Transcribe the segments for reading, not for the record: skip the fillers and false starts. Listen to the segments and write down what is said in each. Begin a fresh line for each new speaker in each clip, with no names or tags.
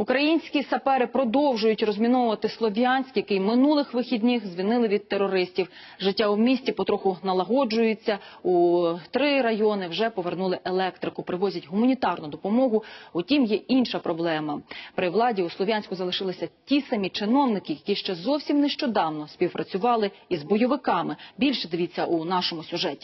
Українські сапери продовжують розміновувати Слов'янськ, який минулих вихідних звільнили від терористів. Життя у місті потроху налагоджується. У 3 райони вже повернули електрику, привозять гуманітарну допомогу. Утім, є інша проблема. При владі у Слов'янську залишилися ті самі чиновники, які ще зовсім нещодавно співпрацювали із бойовиками. Більше дивіться у нашому сюжеті.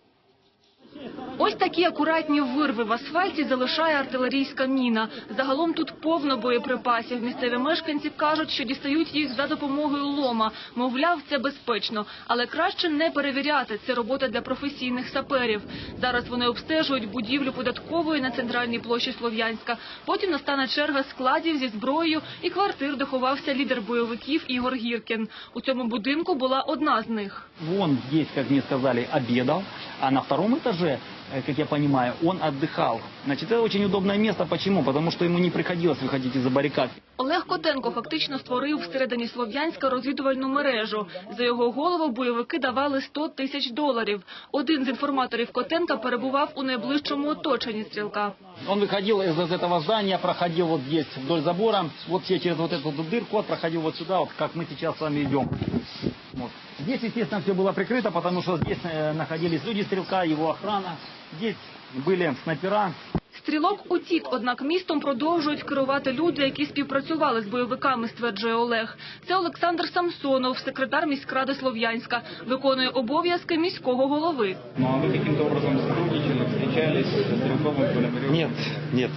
Ось такі акуратні вирви в асфальті залишає артилерійська міна. Загалом тут повно боєприпасів. Місцеві мешканці кажуть, що дістають їх за допомогою лома. Мовляв, це безпечно. Але краще не перевіряти. Це робота для професійних саперів. Зараз вони обстежують будівлю податкової на центральній площі Слов'янська. Потім настане черга складів зі зброєю і квартир, де ховався лідер бойовиків Ігор Гіркін. У цьому будинку була одна з них.
Он здесь, как мне сказали, обедал, а на втором этаже, как я понимаю, он отдыхал. Значит, это очень удобное место. Почему? Потому что ему не приходилось выходить из-за баррикад.
Олег Котенко фактично створив всередині Слов'янська розвідувальну мережу. За його голову бойовики давали $100 тисяч. Один з інформаторів Котенка перебував у найближчому оточенні стрілка.
Он выходил из этого здания, проходил вот здесь вдоль забора, вот все через вот эту дырку, проходил вот сюда, вот как мы сейчас с вами идем. Вот. Здесь, естественно, все было прикрыто, потому что здесь находились люди стрелка, его охрана. Здесь были снайпера.
Стрілок утік, однак містом продовжують керувати люди, які співпрацювали з бойовиками, стверджує Олег. Це Олександр Самсонов, секретар міськради Слов'янська, виконує обов'язки міського голови.
Ну, а ви яким-то образом сотрудничали, зустрічались з Стрілковим, Пономарьовим?
Нет.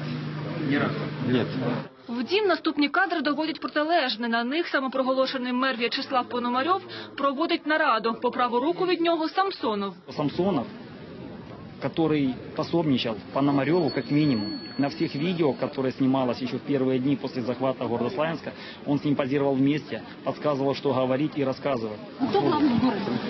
Ні разу?
Нет.
Втім, наступні кадри доводять протилежне. На них самопроголошений мер В'ячеслав Пономарьов проводить нараду. По праву руку від нього Самсонов.
Самсонов, который пособничал Пономареву как минимум. На всех видео, которые снималось еще в первые дни после захвата города Славянска, он с ним позировал вместе, подсказывал, что говорить и рассказывать.
Кто главный в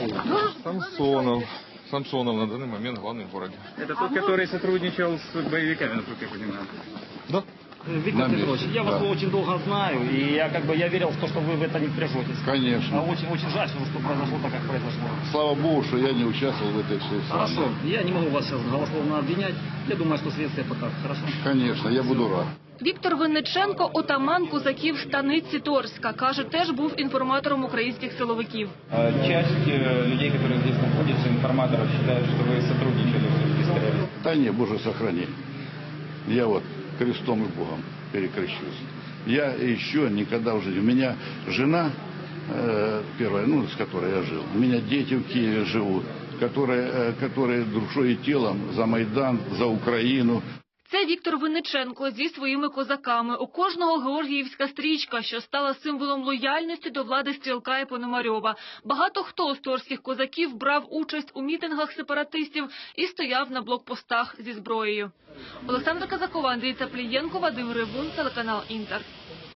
городе?
Самсонов на данный момент главный в городе.
Это тот, который сотрудничал с боевиками, насколько я понимаю.
Да.
Виктор Петрович, я вас очень долго знаю, и я верил в то, что вы в это не впряжетесь.
Конечно.
Очень жаль, что произошло так, как произошло.
Слава Богу, что я не участвовал в этой всей самой.
Хорошо, я не могу вас сейчас голословно обвинять. Я думаю, что следствие покажет. Хорошо?
Конечно, я буду рад.
Віктор Винниченко, отаман козаків станиці Торська, каже, теж був інформатором українських силовиків.
Часть людей, которые здесь находятся, информаторов, считают, что вы сотрудничали все-таки с террористами.
Да не, Боже, сохрани. Я вот крестом и Богом перекрещусь. Я еще никогда в жизни. У меня жена первая, с которой я жил. У меня дети в Киеве живут, которые душой и телом за Майдан, за Украину.
Це Віктор Винниченко зі своїми козаками. У кожного георгіївська стрічка, що стала символом лояльності до влади Стрілка і Пономарьова. Багато хто з торських козаків брав участь у мітингах сепаратистів і стояв на блокпостах зі зброєю. Олександра Казакова, Андрій Цаплієнко, Вадим Рибун, телеканал Інтер.